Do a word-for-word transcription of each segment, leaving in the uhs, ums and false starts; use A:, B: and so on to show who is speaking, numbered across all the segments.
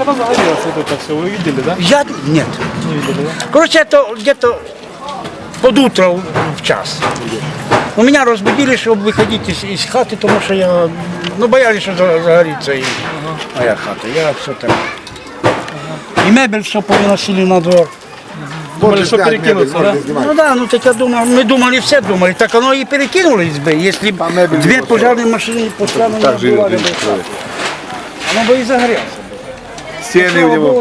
A: она загорелась, вот это все, вы видели, да?
B: Я нет.
A: Не видели, да?
B: Короче, это где-то под утро в час. У меня разбудили, чтобы выходить из, из хаты, потому что я, ну, боялись, что загорится и ага. моя хата. Я все так. Ага. И мебель все повыносили на двор.
A: Думали, что перекинуться, да?
B: Ну да, ну так я думал, мы думали, все думали, так оно и перекинулось бы, если бы две пожарные машины постоянно не отбивали бы. Оно бы и загорелось.
C: Стены в него.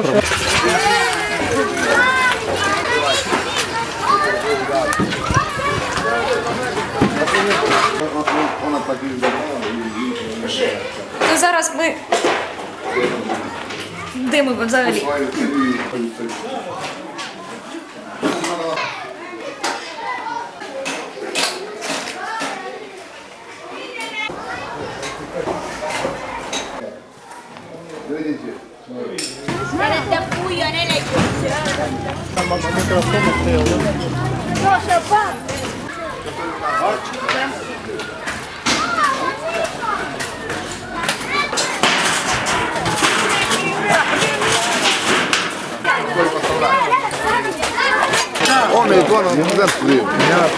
D: То зараз ми димимо взагалі.
C: Он и он, он заплив.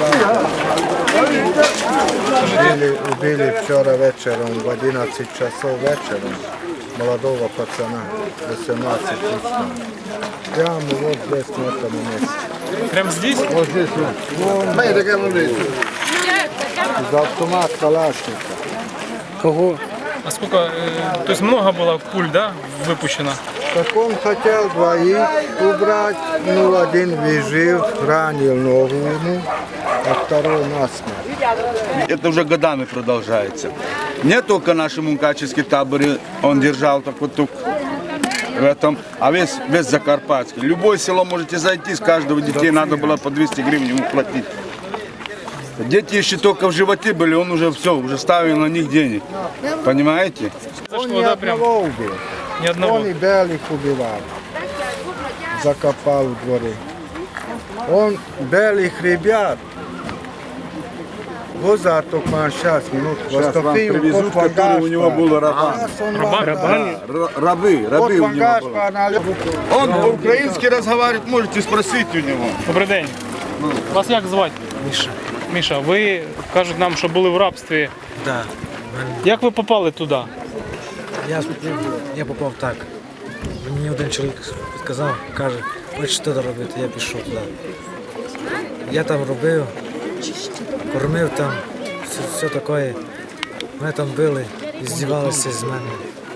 E: Убили, убили вчера вечером в одиннадцать часов вечером молодого пацана, восемнадцать лет. Прямо вот здесь, на этом месте.
A: Прям здесь?
E: Вот здесь вот.
C: Мы такая мужик.
E: Из автомата Калашника.
A: Кого? А сколько, э, то есть много было пуль, да, выпущено?
E: Так он хотел двоих убрать, ну один выжил, ранил ногу ему, а второй насмерть.
F: Это уже годами продолжается. Не только наш мукачевский табор, он держал такой тук в этом, а весь, весь Закарпатский. Любое село можете зайти, с каждого детей надо было по двести гривен ему платить. Дети еще только в животе были, он уже все, уже ставил на них денег. Понимаете?
E: Он ни одного убил.
A: Ни одного.
E: Он и белых убивал. Закопал в дворе. Он белых ребят воза только сейчас минут
F: Сейчас вам привезут, которые у него было раба.
A: Раба?
F: Рабы, рабы у него было. Он по-украински разговаривает, можете спросить у него.
A: Добрий день. Вас як звати? Міша. Міша, ви, кажуть нам, що були в рабстві.
G: Так.
A: Як ви попали туди?
G: Я, я попав так. Мені один чоловік сказав, каже, хочеш що робити, я пішов туди. Я там робив, кормив там, все, все таке. Мене там били, здівалися з мене.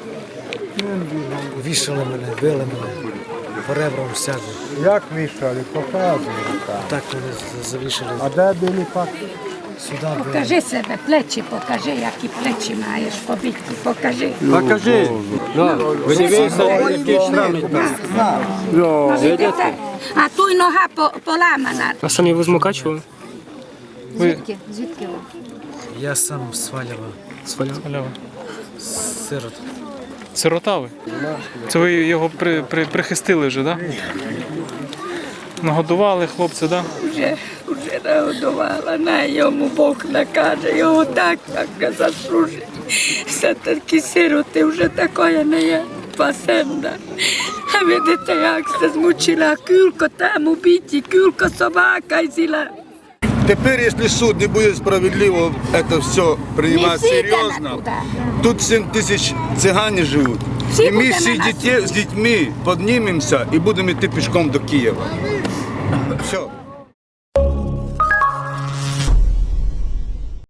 G: Вішали мене, били мене, по ребрам всяко.
E: Як вішали, показували.
G: Так мене завішали.
E: А де були пак?
G: Сюди били.
H: Покажи себе, плечі, покажи, які плечі маєш побиті, покажи.
I: Покажи. Ви дивіться, які шрами там.
H: Видите? А ту й нога по- поламана.
A: А самі ви з Мукачева?
H: Звідки? Звідки ви?
G: Я сам свалював.
A: Свалява.
G: Сирот.
A: Сирота ви? Це ви його при, при, прихистили вже, так? Да? Нагодували хлопця, так? Да?
H: Вже, вже нагодувала, на йому Бог накаже, його так, так заслужить. Все такі сироти вже такое не є, пасенда. А видите, як се змучила, кюлко там убиті, кюлко собака зіла.
F: Теперь, если суд не будет справедливо это все принимать серьезно, тут семь тысяч цыгане живут.
H: Всі
F: И мы
H: будемо
F: все
H: на
F: детей с детьми поднимемся и будем идти пешком до Киева. Все.